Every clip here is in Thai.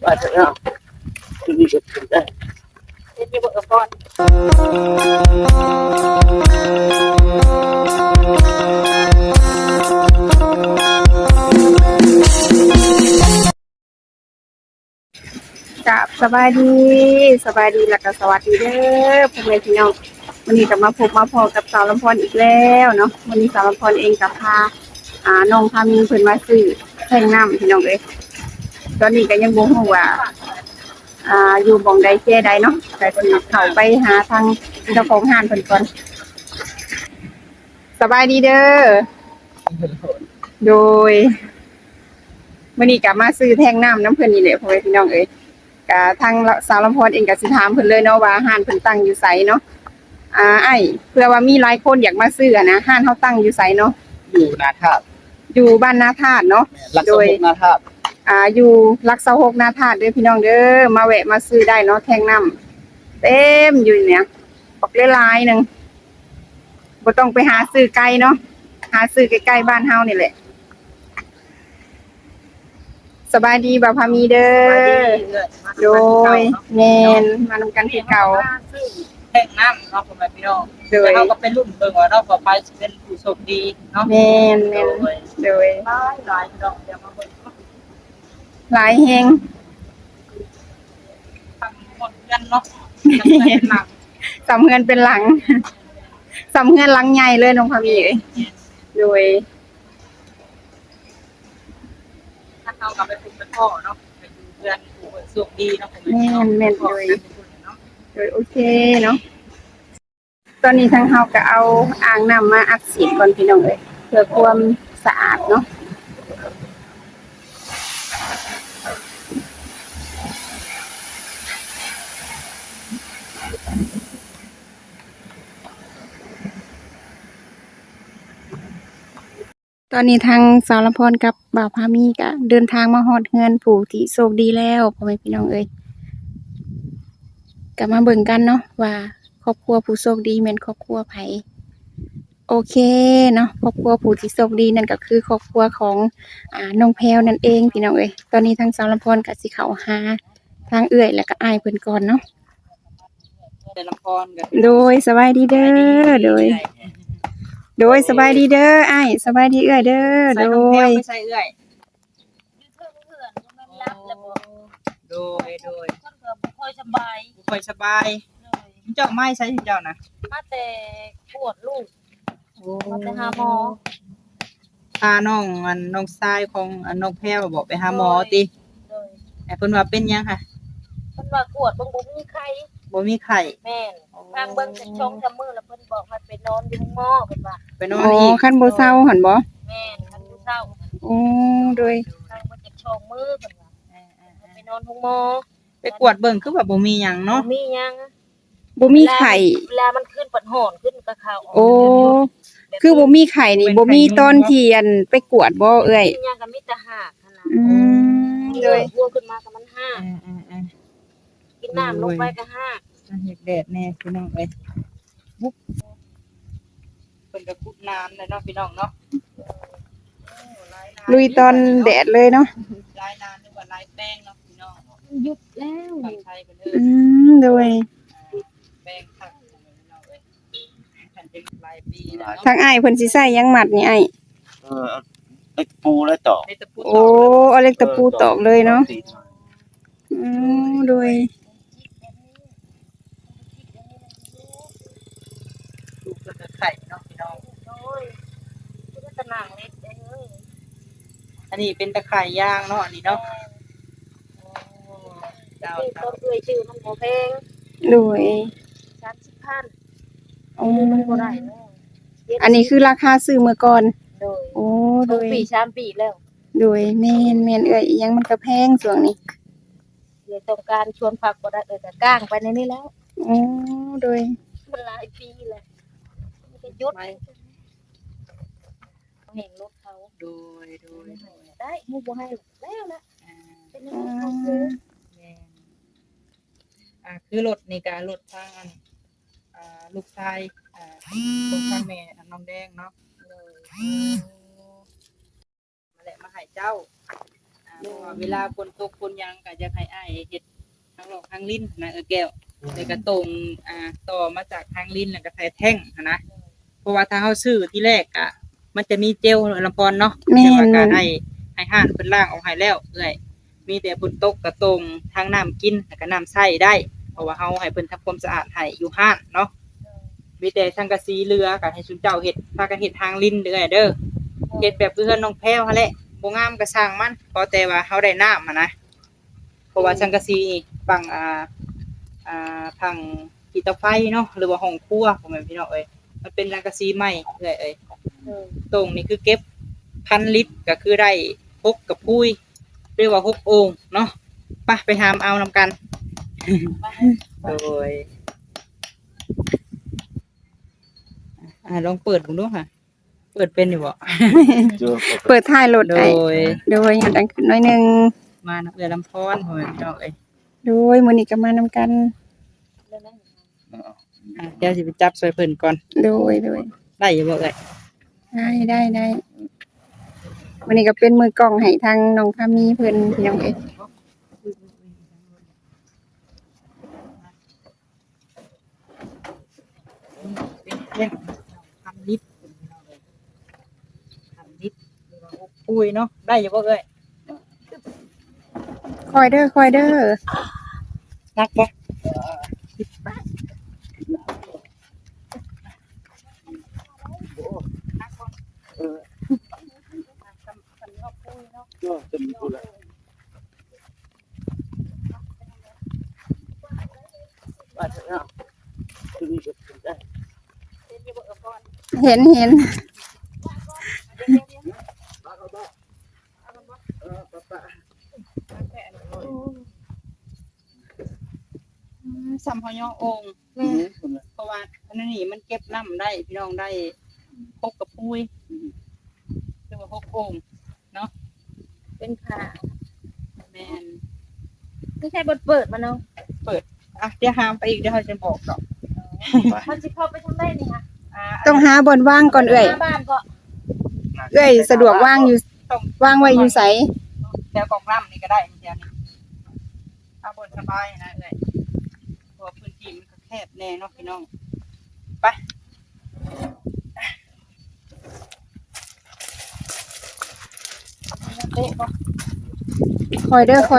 มาเถอะเนาะที่นี่จะถึงได้เฮ็ดอยู่บ่ก่อนกับสบายดีแล้วก็สวัสดีเด้อพ่อแม่พี่น้องวันนี้ก็มาพบมาพอกับสาวลำพรอีกแล้วเนาะวันนี้สาวลำพรเองกับพาน้องพามีเพิ่นมาซื้อแท่งน้ำพี่น้องเอ้ยตอนนี้ก็ยังบ่ฮู้ว่าอยู่บ่องใดแค่ใดเนาะก็สิเข้าไปหาทางเจ้าของห้านเพิ่นก่อนสบายดีเด้อโดยมื้อนี้ก็มาซื้อแท่งน้ำน้ำเพิ่นนี่แหละพ่อแม่พี่น้องเอ้ยก็ทางสาวลำพรเองก็สิถามเพิ่นเลยเนาะว่าห้านเพิ่นตั้งอยู่ไสเนาะเพื่อว่ามีหลายคนอยากมาซื้อนะห้านเฮาตั้งอยู่ไสเนาะอยู่นาธาตุอยู่บ้านนาธาตุเนาะรักสมุกนาธาตุอยู่รัก26นาธาตุเด้อพี่น้องเด้อมาแวะมาซื้อได้เนาะแท่งน้ำเต็มอยู่เนี่ยบักหลายๆนึงบ่ต้องไปหาซื้อไกลเนาะหาซื้อใกล้ๆบ้านเฮานี่แหละสบายดีบ่าวพามีเด้อโดยแม่นมานำกันคือเก่าแท่งน้ำเนาะพ่อแม่พี่น้องโดยเขาก็เป็นรุ่นเบิ่งว่าเนาะต่อไปสิเป็นผู้โชคดีเนาะแม่นโดยหลายดอกเดี๋ยวมาเบิ่งหลายแฮงทำหมดเงินเนาะเป็นหลังสำเฮือนเป็นหลังสำเฮือนหลังใหญ่เลยน้องพามีเอ้ยโดยถ้าเขากลับไปปลูกเป็นพ่อเนาะไปอยู่เพื่อนผู้โชคดีเนาะแม่นโดยโอเคเนาะตอนนี้ทางเฮาก็เอาอ่างน้ำมาอัดฉีดก่อนพี่น้องเอ้ยเพื่อความสะอาดเนาะตอนนี้ทางสาวลำพรกับบ่าวพามีก็เดินทางมาฮอดเฮือนผู้ที่โชคดีแล้วพ่อแม่พี่น้องเอ้ยก็มาเบิ่งกันเนาะว่าครอบครัวผู้โชคดีแม่นครอบครัวไผโอเคเนาะครอบครัวผู้ที่โชคดีนั่นก็คือครอบครัวของน้องแพรวนั่นเองพี่น้องเอ้ยตอนนี้ทางสาวลำพรก็สิเข้าหาทางเอื้อยแล้วก็อ้ายเพิ่นก่อนเนาะเป็นลำพรกันโดยสบายดีเด้อโดยสบายดีเด้ออ้ายสบายดีเอื้อยเด้อโดยไม่ใช่เอื้อยโดยคนก็บ่ค่อยสบายบ่ค่อยสบายเจ้าไม้ใช้เจ้านะมาแต่ปวดลูกมาแต่หาหมอพาน้องน้องชายของน้องแพรวบอกไปหาหมอติแต่เพิ่นว่าเป็นยังค่ะเพิ่นว่ากวดเบิ่งบ่มีไข้บ่มีไข้แม่นทางเบิ่งจักช่องจำมือแล้วเพิ่นบอกให้ไปนอนอยู่หมอเพิ่นว่าไปนอนอีกคันบ่เซาหั่นบ่แม่นคันบ่เซาโดยทางเบิ่งจักช่องมือเพิ่นว่าไปนอนหมอไปกวดเบิ่งคือว่าบ่มีหยังเนาะบ่มีหยังบ่มีไข้เวลามันขึ้นปัดหอนขึ้นกะเขาคือบ่มีไข้นี่บ่มีตอนที่ไปกวดบ่เอ้ยมีหยังก็มีแต่หากหั่นน่ะโดยวัวขึ้นมาก็มันหากกินน้ำลงไปก็หากเฮ็ดแดดแน่พี่น้องเอ้ยบุ๊บเพิ่นก็กุดน้ำเลยเนาะพี่น้องเนาะลุยตอนแดดเลยเนาะลายน้ำหรือว่าลายแป้งเนาะพี่น้องหยุดแล้วฝั่งไทยเพิ่นเด้อโดยแป้งคักพี่น้องเอ้ยคันเป็นลายปีนะทางอ้ายเพิ่นสิใช้หยังหมัดนี่อ้ายเล็กปูและตอกโอ้เอาเล็กตะปูตอกเลยเนาะโดยลูกเพิ่นก็ไข่เนาะพี่น้องโอ้ยคือตะนางเล็กเด้ออันนี้เป็นตะไคร่ย่างเนาะอันนี้เนาะที่ต้นเอื้อยชื่อมันบ่แพงโดย 30,000มันบ่ได้เนาะอันนี้คือราคาซื้อเมื่อก่อนโดยโดยปี3ปีแล้วโดยแม่นเอ้ยอีหยังมันก็แพงช่วงนี้เดี๋ยวต้องการชวนผักบ่ได้ก็ก้างไปในนี้แล้วโดยมันหลายปีแล้วมันก็หยุดเห็นรถเขาโดยได้มูบ่ให้แล้วนะเป็นยังไงเขาซื้อคือรถนี่ก็รถทางลูกชายของทางแม่น้องแดงเนาะมาแหละมาให้เจ้าเพราะว่าเวลาฝนตกฝนหยังก็จะให้อ้ายเฮ็ดทางหลอกทางลิ้นนะแก้วแล้วก็ตรงต่อมาจากทางลิ้นแล้วก็ใส่แท่งนะเพราะว่าถ้าเฮาซื้อที่แรกอะมันจะมีเจลลำพรเนาะแต่ว่าการให้ห้านเพิ่นล้างออกให้แล้วเอ้อยมีแต่ฝนตกก็ตรงทางน้ำกินแล้วก็น้ำใช้ได้เพราะว่าเฮาให้เพิ่นทำความสะอาดให้อยู่ห้านเนาะมีแต่สังกะสีเรือก็ให้ซุเจ้าเฮ็ดพากันเฮ็ดทางลิ้นเด้อเด้อเฮ็ดแบบเพื่อนน้องแพรวหั่นแหละบ่งามก็สร้างมันพอแต่ว่าเฮาได้น้ำนะเพราะว่าสังกะสีนี่ฝั่งฝั่งที่เตาไฟเนาะหรือว่าห้องครัวพ่อแม่พี่น้องเอ้ยมันเป็นสังกะสีใหม่เอ้ยตรงนี้คือเก็บ1,000 ลิตรก็คือได้6กระพุ้ยเรียกว่า6โอ่งเนาะไปหามเอานำกันโดยลองเปิดดูค่ะเปิดเป็นอยู่บ่เปิดท้ายรถโดได้ยโดยอย่างดังขึ้นหน่อยหนึงมาน้ำเอือลำพอนพ่อแม่พี่น้องเอ้ยโดยมื้อนี้ก็มานำกันเดี๋ยวสิไปจับซอยเพิ่นก่อนโดยได้อยู่บ่เอ้ยได้วันนี้ก็เป็นมือกล้องให้ทางน้องพามีเพิ่นพี่น้องเอ้ยเป็น1,000 ลิตร1,000 ลิตรหรือว่า6ปุ้ยเนาะได้อยู่บ่เอ้ยคอยเด้อนักบ่เห็นซ้ำเฮาย่อโอ่งเพราะว่าอันนั้นนี่มันเก็บน้ำได้พี่น้องได้6กระพุ้ยหรือว่า6โอ่งเนาะเป็นผ้าแม่นไม่ใช่บทเปิดมาเนาะเดี๋ยวหามไปอีกเดี๋ยวเขาจะบอกดอกมันสิเข้าไปทางได้นี่ค่ะต้องหาบอนว่างก่อนเอ้ยหน้าบ้านก็เอ้ยสะดวกว่างอยู่ว่างไว้อยู่ไสแถวกองน้ำนี่ก็ได้แถวนี้เอาบนสบายนะเอ้ยเพราะว่าพื้นที่มันก็แคบแน่เนาะพี่น้องไปเตะบ่คอยเด้อ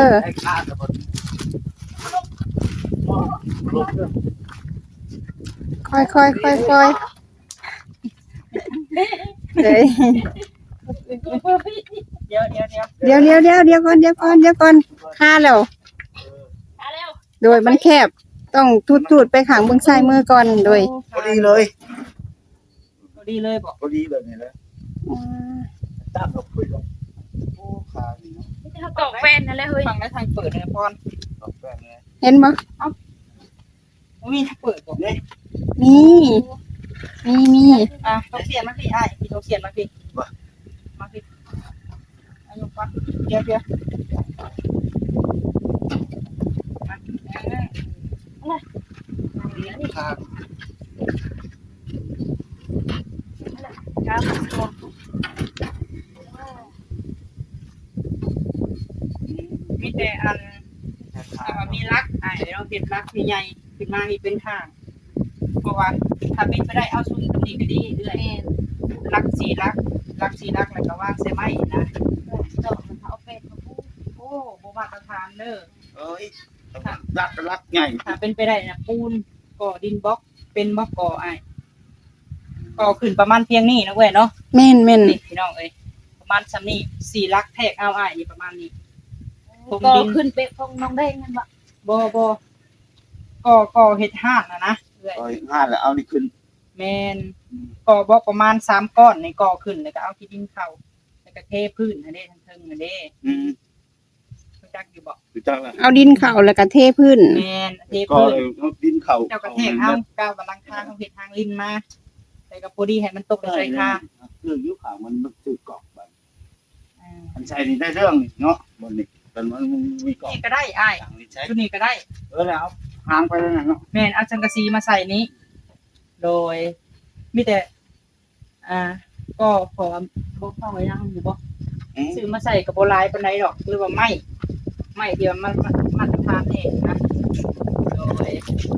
คอยเอ้ยเดี๋ยวเดี๋ยวก่อนค่าแล้วมาเร็วโดยมันแคบต้องทูดไปข้างเบื้องซ้ายมือก่อนโดยพอดีเลยพอดีเลยบอกพอดีแบบนี้เลยตั้งเราคุยกันโอ้คาดีเนาะนี่เขาตอกแฟนนั่นแหละเฮ้ยฟังได้ทางเปิดเลยพรตอบแฟนเลยเห็นบ่มีทางเปิดบอกนี่มีต้องเสียนมาพี่พี่ต้องเสียนมาพี่มาพี่อายุปะเดี๋ยวคาครับมีแต่อันมีรักเราเห็นรักใหญ่ขึ้นมาอีกเป็นทางเพราะว่าถ้าเป็นไปได้เอาซุ่มตำหนิก็ดีเรื่อยรักสีรักแล้วก็ว่างใส่ไม้นะดอกมันเอาเป็นมาพูดโอ้โบมาตรฐานเด้อเอ้ยรักไงถ้าเป็นไปได้นะปูนก่อดินบล็อกเป็นบล็อกก่อก่อขึ้นประมาณเพียงนี้นะเว้ยเนาะแม่นนี่พี่น้องเอ้ยประมาณซ้ำนี้4 ลักแทกเอานี่ประมาณนี้ก็ขึ้นไปของน้องแดงนั่นบ่บ่ก่อเฮ็ดห้านนะเอ้ยเอ้ยง่ายแล้วเอานี่ขึ้นแม่นก่อบล็อกประมาณ3 ก้อนในก่อขึ้นแล้วก็เอาที่ดินเข้าแล้วก็เทพื้นอันนี้ทั้งเทิงอันนี้ รู้จักอยู่บ่รู้จักแล้วเอาดินเข้าแล้วก็เทพื้นแม่นเทก็พื้นเลยเอาดินเข่าเจ้าก็แทกเอาก้าวบันลังคาเขาเฮ็ดทางลิ้นมาแต่ก็พอดีให้มันตกใส่คาคือยุคข่าวมันคือกรอกแบบมันใช้นี่ได้เรื่องเนาะบนนี้ตอนมันมีกรอกนี่ก็ได้อ้ายอย่างนี้ใช้ชุดนี้ก็ได้แล้วหางไปแล้วเนาะแม่นเอาสังกะสีมาใส่นี้ โดยมีแต่ก็ขอบ่เข้าไว้ยังอยู่บ่ซื้อมาใส่กับโบราณปานใดดอกหรือว่าไม่เดียวมันทานเองนะโดย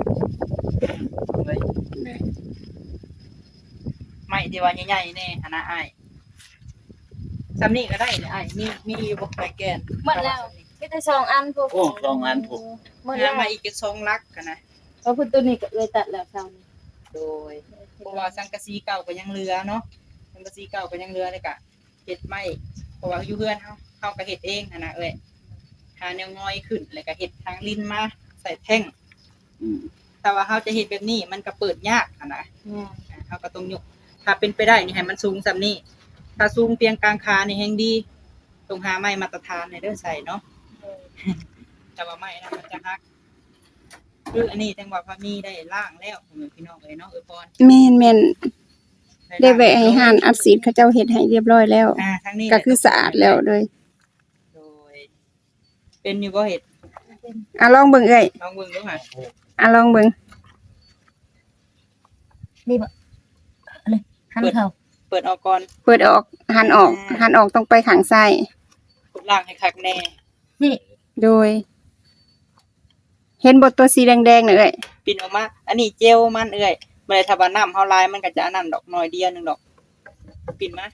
ไม่ที่ว่าใหญ่ๆแน่นะอ้ายซำนี้ก็ได้เนี่ยอ้ายมีบ่ไปแกนหมดแล้วมีแต่2อันพวกโอ้สองอันผมหมดแล้วมาอีก2ลักกันนะเพราะคุณตัวนี้ก็เลยตัดแล้วเช้านี้โดยเพราะว่าสังกะสีเก่าก็ยังเหลือเนาะสังกะสีเก่าก็ยังเหลือเลยกะเฮ็ดไม่เพราะว่าอยู่เฮือนเฮาก็เฮ็ดเองนะเอ้ยหาแนวงอยขึ้นแล้วก็เฮ็ดทางลิ้นมาใส่แท่งอืมแต่ว่าเฮาจะเฮ็ดแบบนี้มันก็เปิดยากนะแม่นเฮาก็ต้องยกถ้าเป็นไปได้นี่ให้มันสูงซำนี้ถ้าสูงเพียงกลางคานี่แฮงดีต้องหาไม้มาตรฐานให้เด้อใส่เนาะแต่ว่าไม้นะมันจะฮักคืออันนี้จังว่าพามีได้ล่างแล้วพี่น้องเอ้ยเนาะพรแม่นได้แวะให้ห้านอัดสีดเขาเจ้าเฮ็ดให้เรียบร้อยแล้วทางนี้ก็คือสะอาดแล้วเลยโดยเป็นอยู่บ่เฮ็ดลองเบิ่งเอ้ยลองเบิ่งดูค่ะลองเบิ่งนี่บ่อะไรหันเข้าเปิดออกก่อนเปิดออกหันออกต้องไปข้างซ้ายกดล่างให้คักแน่นี่โดย เห็นบทตัวสีแดงๆน่ะเอ้ยปิ่นออกมาอันนี้เจลมันเอ้ยบ่ได้ถ้าว่าน้ำเฮาลายมันก็จะอันนั้นดอกน้อยเดียวนึงดอกปิ่นมา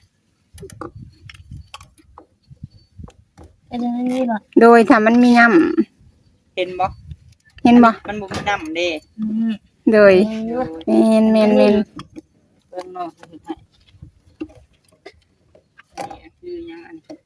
เป็นอย่างนี้บ่โดยถ้ามันมีย่ํเห็นบ่เห็นบ่มันบ่มีน้ำเด้โดยแม่นเบิ่งเนาะให้นี่คือหยังอันนี้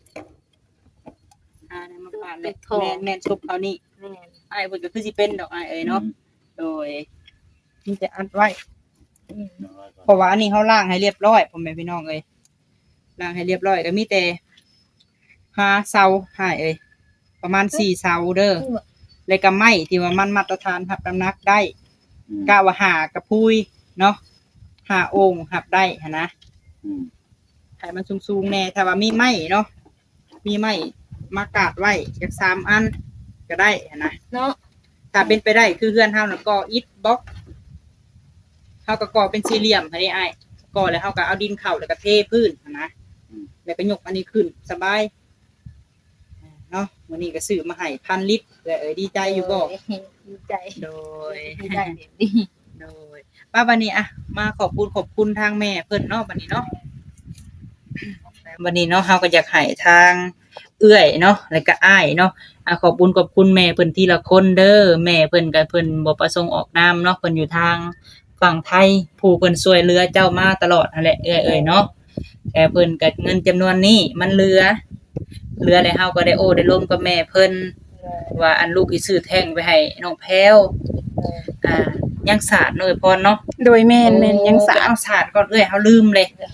ได้มาปาดเลยแม่นซุปเขานี่แม่นอ้ายเพิ่นก็คือสิเป็นดอกอ้ายเอ้ยเนาะโดยมีแต่อัดไว้เพราะว่าอันนี้เฮาล้างให้เรียบร้อยพ่อแม่พี่น้องเอ้ยล้างให้เรียบร้อยก็มีแต่5เสาให้เอ้ยประมาณ4เสาเด้อแล้วก็ไม้ที่ว่ามันมาตรฐานรับน้ำหนักได้กะว่าหากระพุยเนาะหาโอ่งหับได้หั่นนะอืมให้มันสูงๆแน่ถ้าว่ามีไม้เนาะมีไม้มากาดไว้จัก3อันก็ได้หั่นนะเนาะถ้าเป็นไปได้คือเฮือนเฮาน่ะก่ออิฐบล็อกเฮาก็ก่อเป็นสี่เหลี่ยมให้ได้อ้ายก่อแล้วเฮาก็เอาดินเข้าแล้วก็เทพื้นหั่นนะแล้วก็ยกอันนี้ขึ้นสบายเนาะมื้อนี้ก็ซื้อมาให้1,000 ลิตรแล้วดีใจอยู่บ่ดีใจโดยดีใจแบบนี้โดยป้าบัดนี้อะมาขอบคุณทางแม่เพิ่นเนาะบัดนี้เนาะบัดนี้เนาะเฮาก็อยากให้ทางเอื้อยเนาะแล้วก็อ้ายเนาะขอบคุณแม่เพิ่นทีละคนเด้อแม่เพิ่นก็เพิ่นบ่ประสงค์ออกนามเนาะเพิ่นอยู่ทางฝั่งไทยผู้เพิ่นช่วยเหลือเจ้ามาตลอดนั่นแหละเอ้ยเนาะแต่เพิ่นก็เงินจำนวนนี้มันเหลือแล้วเฮาก็ได้โอ้ได้ร่วมกับแม่เพิ่นว่าอันลูกอีซื้อแท่งไปให้น้องแพรวยังสาดเนาะพรเนาะโดยแม่นยังสะอาดเอาสาดก่อนเอ้ยเฮาลืมเลยเลย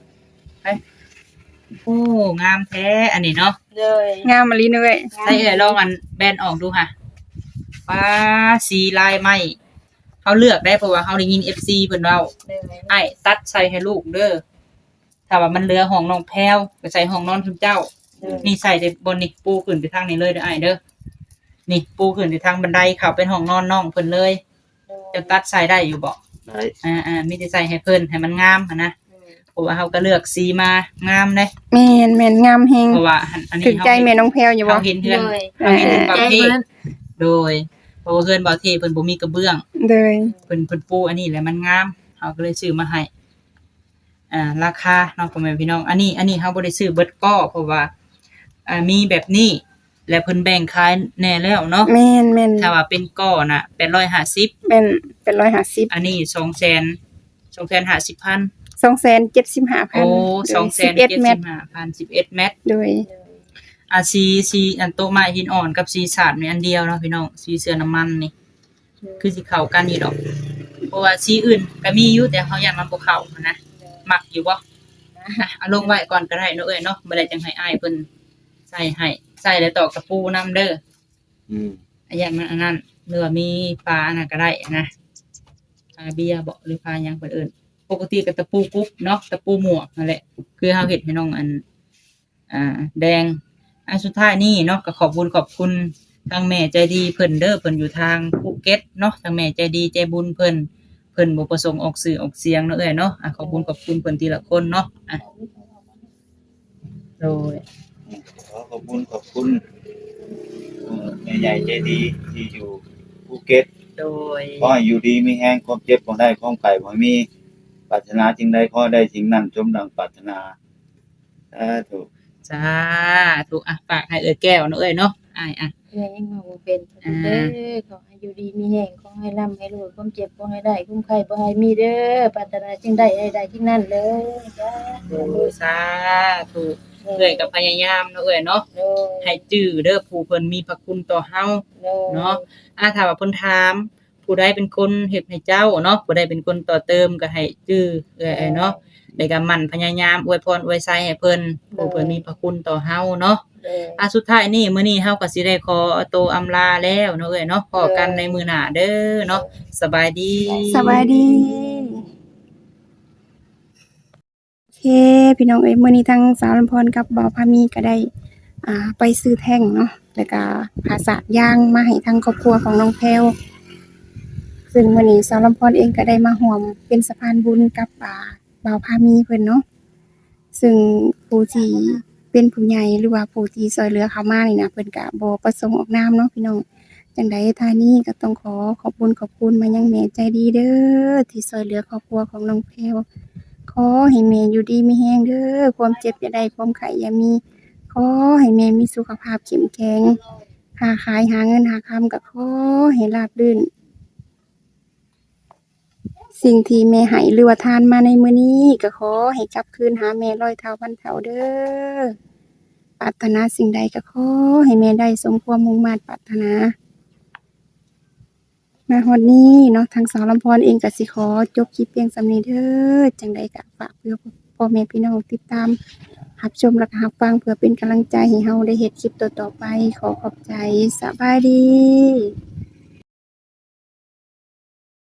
โอ้งามแท้อันนี้เนาะเลยงามมะลิเอ้ยใส่เอ้ยลองอันแบนออกดูค่ะว้าสีลายไหมเขาเลือกได้เพราะว่าเขาได้ยิน FC เพิ่นเว้าเลยไอ้ตัดใส่ให้ลูกเด้อถ้าว่ามันเหลือห้องน้องแพรวก็ใส่ห้องนอนคุณเจ้า นี่ใส่ในบนนี่ปูขึ้นไปทางนี้เลยเด้อไอ้เด้อนี่ปูขึ้นไปทางบันไดเข้าเป็นห้องนอนน้องเพิ่นเลยจะตัดใส่ได้อยู่บ่ได้มีแต่ใส่ให้เพิ่นให้มันงามหั่นนะเพราะว่าเขาก็เลือกสีมางามเด้แม่นงามแฮงเพราะว่าอันนี้ถึงใจแม่น้องแพรวอยู่บ่เขาเห็นเฮือนเลยเขาเห็นบางใจที่มันโดยเพราะว่าเฮือนบางที่เพิ่นบ่มีกระเบื้องโดยเพิ่นปูอันนี้แหละมันงามเขาก็เลยซื้อมาให้ราคาเนาะพ่อแม่พี่น้องอันนี้เฮาบ่ได้ซื้อเบิดก้อเพราะว่ามีแบบนี้และเพิ่นแบ่งขายแน่แล้วเนาะแม่นถ้าว่าเป็นก้อน่ะ850 เป็น150 อันนี้250,000 275,000 โอ้ 11 เมตร 275,000 11 เมตรโดยสีอันโต๊ะไม้หินอ่อนกับสีสาดมีอันเดียวเนาะพี่น้องสีเสื้อน้ำมันนี่คือสิเข้ากันอยู่ดอกเพราะว่าสีอื่นก็มีอยู่แต่เขาอยากมันบ่เข้านะมักอยู่บ่เอาลงไว้ก่อนก็ได้เนาะเอ้ยเนาะบ่ได้จังให้อ้ายเพิ่นใส่ให้ใส่แล้วตอกตะปูนำเด้ออืมอย่างนั้นอันนั้นหรือว่ามีปลาอันนั้นก็ได้นะปลาเบียร์บ่หรือปลาหยังเพิ่นเอิ้นปกติก็ตะปูกุ๊บเนาะตะปูหมวกนั่นแหละคือเฮาเฮ็ดให้น้องอันแดงอันสุดท้ายนี่เนาะก็ขอบคุณทางแม่ใจดีเพิ่นเด้อเพิ่นอยู่ทางภูเก็ตเนาะทางแม่ใจดีใจบุญเพิ่นบ่ประสงค์ออกสื่อออกเสียงเนาะเอ้ยเนาะขอบคุณเพิ่นทีละคนเนาะโดยขอขอบคุณแม่ใหญ่ใจดีที่อยู่ภูเก็ตโดยขอให้อยู่ดีมีแรงความเจ็บบ่ได้ความไข้บ่มีปรารถนาสิ่งใดขอให้ได้สิ่งนั้นสมดังปรารถนาสาธุจ้าถูกอ่ะฝากให้แก้วเนาะเนาะอ้ายอ่ะเอื้อยยังเว้าบ่เป็นเด้อขอให้อยู่ดีมีแรงขอให้ร่ำให้รวยความเจ็บบ่ให้ได้คุ้มไข้บ่ให้มีเด้อปรารถนาจึงได้ให้ได้ที่นั่นเลยจ้าโอ้สาธุเอ้ยก็พยายามเนาะเอ้ยเนาะโดยให้จื้อเด้อผู้เพิ่นมีพระคุณต่อเฮาโดยเนาะถ้าว่าเพิ่นถามผู้ใดเป็นคนเฮ็ดให้เจ้าเนาะผู้ใดเป็นคนต่อเติมก็ให้จื้อเอ้ยเนาะแล้วก็หมั่นพยายามอวยพรอวยไสให้เพิ่นผู้เพิ่นมีพระคุณต่อเฮาเนาะโดยสุดท้ายนี่มื้อนี้เฮาก็สิได้ขอตัวอำลาแล้วเนาะเอ้ยเนาะพอกันในมื้อหน้าเด้อเนาะสบายดีสวัสดีโอเคพี่น้องเอ้ยมื้อนี้ทางสาวลำพรกับบ่าวพามีก็ได้ไปซื้อแท่งเนาะแล้วก็ผาสาดยางมาให้ทางครอบครัวของน้องแพรวซึ่งมื้อนี้สาวลำพรเองก็ได้มาร่วมเป็นสะพานบุญกับบ่าวพามีเพิ่นเนาะซึ่งผู้ที่เป็นผู้ใหญ่หรือว่าผู้ที่ช่วยเหลือเขามานี่นะเพิ่นก็บ่ประสงค์ออกนามเนาะพี่น้องจังใดท่านี้ก็ต้องขอขอบคุณมายังแม่ใจดีเด้อที่ช่วยเหลือครอบครัวของน้องแพรว ขอให้แม่อยู่ดีมีแรงเด้อความเจ็บอย่าได้ความไข้อย่ามีขอให้แม่มีสุขภาพเข้มแข็งค้าขายหาเงินหาคำก็ขอให้ราบรื่นสิ่งที่แม่ให้หรือว่าทานมาในมื้อนี้ก็ขอให้กลับคืนหาแม่ร้อยเท่าพันเท่าเด้อปรารถนาสิ่งใดก็ขอให้แม่ได้สมความมุ่งมั่นปรารถนามาฮอดนี้เนาะทางสาวลำพรเองก็สิขอจบคลิปเพียงส่ำนี้เด้อจังใดก็ฝากเพื่อพ่อแม่พี่น้องติดตามรับชมและก็รับฟังเพื่อเป็นกำลังใจให้เราได้เฮ็ดคลิปต่อๆไปขอขอบใจสบายดี